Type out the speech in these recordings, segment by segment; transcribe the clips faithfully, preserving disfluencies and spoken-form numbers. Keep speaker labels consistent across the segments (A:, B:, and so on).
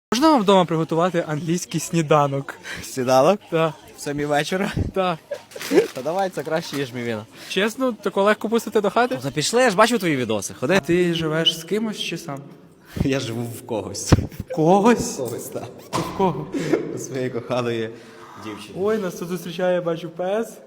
A: Можна вам вдома приготувати англійський сніданок?
B: Сніданок?
A: Так.
B: В самі вечора?
A: Так.
B: Та давай, це краще, ніж мівіна.
A: Чесно, тако легко пустити до хати?
B: Та пішли, я ж бачив твої відоси. Ходи.
A: Ти живеш з кимось чи сам?
B: Я живу в когось.
A: Когось?
B: Когось, так.
A: В кого?
B: У своєї коханої дівчини.
A: Ой, нас тут зустрічає, я бачу, пес.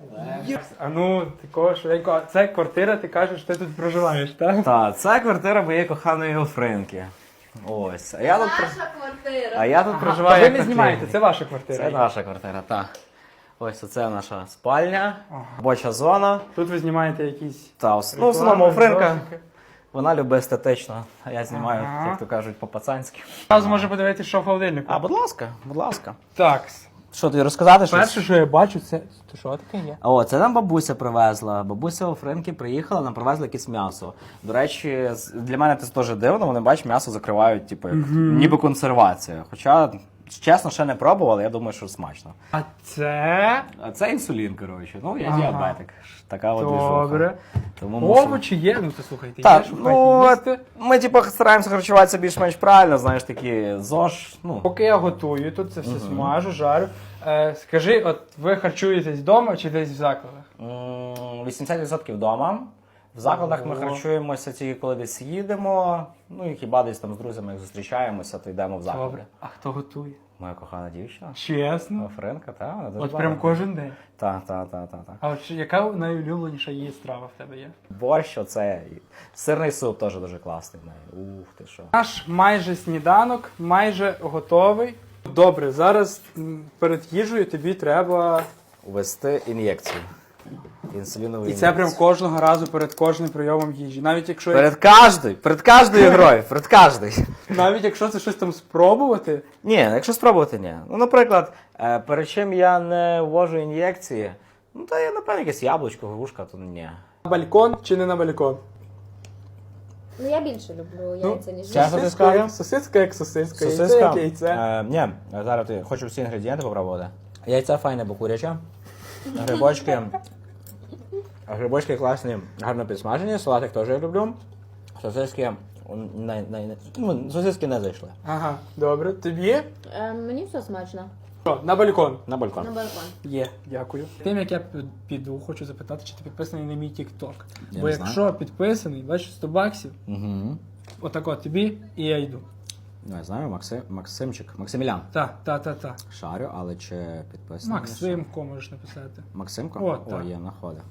A: А ну, такого швиденько. Це квартира, ти кажеш, ти тут проживаєш, так?
B: Так, це квартира моєї коханої Гофринки. Ось. А я тут, про-
C: Наша квартира.
B: а я тут
A: Та
B: проживаю.
A: ви
B: як
A: не
B: на
A: знімаєте,
B: Києві.
A: це ваша квартира.
B: Це наша квартира, так. Ось оце наша спальня, робоча зона.
A: Тут ви знімаєте якісь...
B: Та, ос- ну, в основному
A: реклами,
B: Гофринка.
A: відосики.
B: Вона любить естетично, а я знімаю,
A: Ага.
B: як то кажуть, по-пацанськи.
A: Зараз може подивитися, що в холодильнику.
B: А, будь ласка, будь ласка.
A: Так,
B: Що, тобі розказати щось?
A: перше, що я бачу, це... Це що таке є?
B: О, це нам бабуся привезла. Бабуся у Френки приїхала, нам привезла якесь м'ясо. До речі, з- для мене це теж дивно, вони бач, м'ясо закривають, типу, як, ніби консервація. Хоча, чесно, ще не пробував, але я думаю, що смачно.
A: А це...
B: А це інсулін, коротше. Ну, я
A: Ага.
B: діабетик. Така от двіжуха.
A: Добре.
B: Тому мушу...
A: Овочі є, ну то слухайте,
B: Так,
A: є, що
B: ну,
A: їсти.
B: ми типу стараємося харчуватися більш-менш правильно, знаєш, такі ЗОЖ, ну.
A: Поки я готую, тут це все смажу, жарю. Е, скажи, от ви харчуєтесь вдома чи десь в закладах?
B: М, вісімдесят відсотків вдома. В закладах ми
A: Ого.
B: харчуємося тільки коли десь їдемо. Ну і хіба десь там з друзями як зустрічаємося, то йдемо в заклади.
A: Добре. А хто готує?
B: Моя кохана дівчина.
A: Чесно?
B: Френка, та, вона дуже
A: От прям
B: багато.
A: кожен день.
B: Та, та, та, та, та.
A: А от чи- яка найулюбленіша її страва в тебе є?
B: Борщ, оце. і Сирний суп теж дуже класний в неї. Ух ти що.
A: Наш майже сніданок, майже готовий. Добре, зараз м, перед їжею тобі треба.
B: Ввести ін'єкцію. Інсулінову
A: І
B: ін'єкцію.
A: це прям кожного разу перед кожним прийомом їжі. Навіть якщо
B: Перед кожною, перед кожною грою, перед кожною.
A: навіть якщо це щось там спробувати,
B: Ні, якщо спробувати, ні. Ну, наприклад, е, перед чим я не ввожу ін'єкції, ну, то я, напевно, якесь яблучко, грушка, то ні.
A: на балкон чи не на балкон?
C: Ну я більше люблю яйця, ніж
B: чесно,
C: їжу.
B: ти скажу?
A: Сосиска як сосиска, яйце
B: Сосиска?
A: як яйце.
B: Е, ні, зараз ти хочу всі інгредієнти попробувати. Яйця файне, бо куряче. Грибочки. Грибочки класні, гарно підсмажені, салатик теж я люблю. Сосиски, не, не, не, ну, сосиски не зайшли.
A: Ага, добре. Тобі?
C: Е, мені все смачно.
A: Що, на балкон?
B: На балкон.
C: На балкон.
A: Є, дякую. Тим, як я піду, хочу запитати, чи ти підписаний на мій TikTok.
B: Я
A: Бо
B: не
A: якщо підписаний, бачиш, сто баксів,
B: Угу.
A: отак от тобі, і я йду.
B: Ну, я знаю, Максим, Максимчик, Максимілян.
A: Та, та, та, та.
B: Шарю, але чи підписаний?
A: Максимко можеш написати.
B: Максимко?
A: О,
B: О,
A: так.
B: є, находить.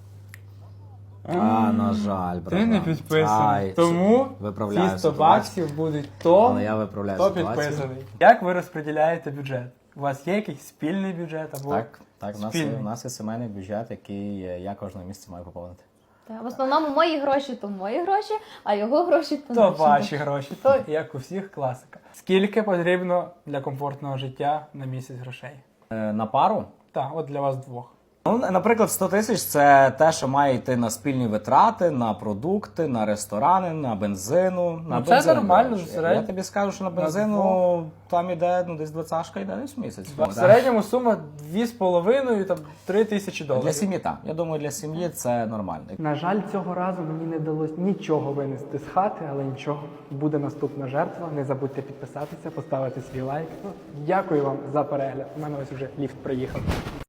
B: А, на жаль, брат.
A: Ти не підписаний.
B: Ай,
A: Тому
B: виправляю
A: ці сто
B: ситуацію.
A: баксів будуть то,
B: Але я виправляю
A: хто
B: ситуацію.
A: підписаний. Як ви розподіляєте бюджет? У вас є якийсь спільний бюджет або
B: Так, так, у нас, є,
A: спільний?
B: у нас є сімейний бюджет, який е, я кожного місяця маю поповнити.
C: Та, в основному мої гроші то мої гроші, а його гроші то,
A: То
C: наші
A: ваші гроші, то як у всіх класика. Скільки потрібно для комфортного життя на місяць грошей?
B: Е, на пару?
A: Так, от для вас двох.
B: Ну, наприклад, сто тисяч це те, що має йти на спільні витрати, на продукти, на ресторани, на бензину. На
A: Ну, це
B: бензин,
A: нормально,
B: до речі.
A: середньо.
B: Я тобі скажу, що на
A: На
B: бензину там іде ну, десь двадцятка йде десь в місяць.
A: В
B: Так.
A: середньому сума дві з половиною, там три тисячі доларів.
B: Для сім'ї так. Я думаю, для сім'ї це нормально.
A: На жаль, цього разу мені не вдалося нічого винести з хати, але нічого. Буде наступна жертва. Не забудьте підписатися, поставити свій лайк. Ну, дякую вам за перегляд. У мене ось вже ліфт приїхав.